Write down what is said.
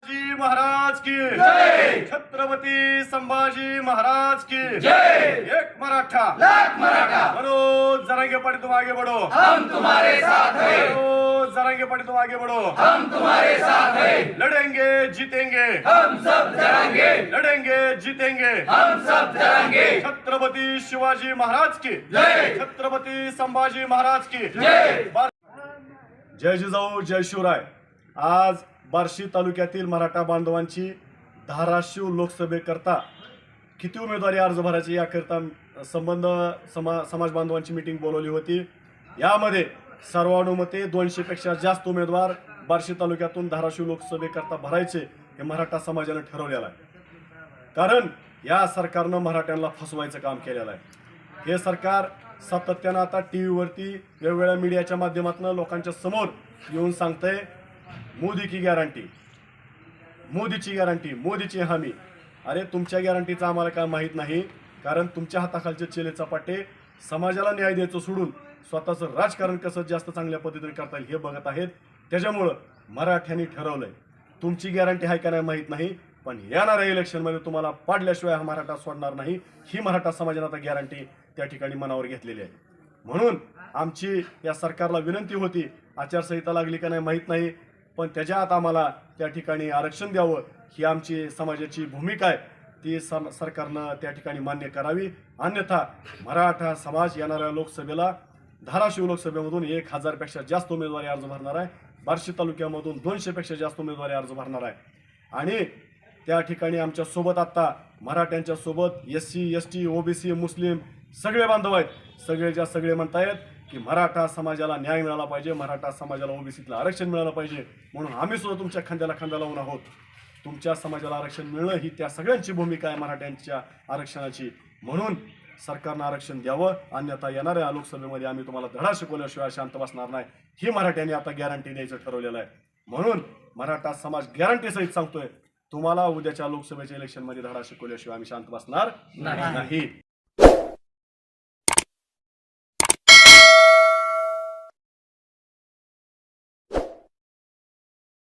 शिवाजी महाराज की जय। छत्रपती संभाजी महाराज की जय। एक मराठा लाख मराठा, मनोज जरांगे पाटील तुम आगे बढ़ो, हम तुम्हारे साथ हैं, मनोज जरांगे पाटील तुम आगे बढ़ो, हम तुम्हारे साथ हैं, लड़ेंगे जीतेंगे, हम सब लड़ेंगे, लड़ेंगे जीतेंगे, हम सब लड़ेंगे। छत्रपती शिवाजी महाराज की जय। छत्रपती संभाजी महाराज की जय। जय जिजाऊ जय शिवराय। आज बार्शी तालुक्यातील मराठा बांधवांची धाराशिव लोकसभेकरता किती उमेदवारी अर्ज भरायचे याकरता समाज बांधवांची मीटिंग बोलवली होती। यामध्ये सर्वानुमते 200 पेक्षा जास्त उमेदवार बार्शी तालुक्यातून धाराशिव लोकसभेकरता भरायचे हे मराठा समाजाने ठरवलेलं आहे। कारण या सरकारनं मराठ्यांना फसवायचं काम केलेलं आहे। हे सरकार सातत्यानं आता टीव्हीवरती वेगवेगळ्या मीडियाच्या माध्यमातून लोकांच्या समोर येऊन सांगतंय मोदी की गॅरंटी, मोदीची गॅरंटी, मोदीची हमी। अरे तुमच्या गॅरंटीचं आम्हाला काय माहीत नाही, कारण तुमच्या हाताखालचे चेले चपाटे समाजाला न्याय द्यायचं सोडून स्वतःचं राजकारण कसं जास्त चांगल्या पद्धतीने करता येईल हे बघत आहेत। त्याच्यामुळं मराठ्यांनी ठरवलंय तुमची गॅरंटी आहे का नाही माहीत नाही, पण येणाऱ्या इलेक्शनमध्ये तुम्हाला पाडल्याशिवाय हा मराठा सोडणार नाही, ही मराठा समाजाने आता गॅरंटी त्या ठिकाणी मनावर घेतलेली आहे। म्हणून आमची या सरकारला विनंती होती, आचारसंहिता लागली का नाही माहीत नाही, पण त्याच्या आत आम्हाला त्या ठिकाणी आरक्षण द्यावं ही आमची समाजाची भूमिका आहे, ती सरकारनं त्या ठिकाणी मान्य करावी। अन्यथा मराठा समाज येणाऱ्या लोकसभेला धाराशिव लोकसभेमधून 1000 पेक्षा जास्त उमेदवारी अर्ज भरणार आहे, बार्शी तालुक्यामधून 200 पेक्षा जास्त उमेदवारी अर्ज भरणार आहे। आणि त्या ठिकाणी आमच्या सोबत आता मराठ्यांच्या सोबत SC ST OBC मुस्लिम सगळे बांधव आहेत। सगळेच्या सगळे म्हणतायत की मराठा समाजाला न्याय मिळाला पाहिजे, मराठा समाजाला OBCतलं आरक्षण मिळालं पाहिजे, म्हणून आम्ही सुद्धा तुमच्या खांद्याला खांदा लावून आहोत। तुमच्या समाजाला आरक्षण मिळणं ही त्या सगळ्यांची भूमिका आहे मराठ्यांच्या आरक्षणाची। म्हणून सरकारनं आरक्षण द्यावं, अन्यथा येणाऱ्या लोकसभेमध्ये आम्ही तुम्हाला धडा शिकवल्याशिवाय शांत बसणार नाही, ही मराठ्यांनी आता गॅरंटी द्यायचं ठरवलेलं आहे। म्हणून मराठा समाज गॅरंटीसहित सांगतोय, तुम्हाला उद्याच्या लोकसभेच्या इलेक्शनमध्ये धडा शिकवल्याशिवाय आम्ही शांत बसणार नाही।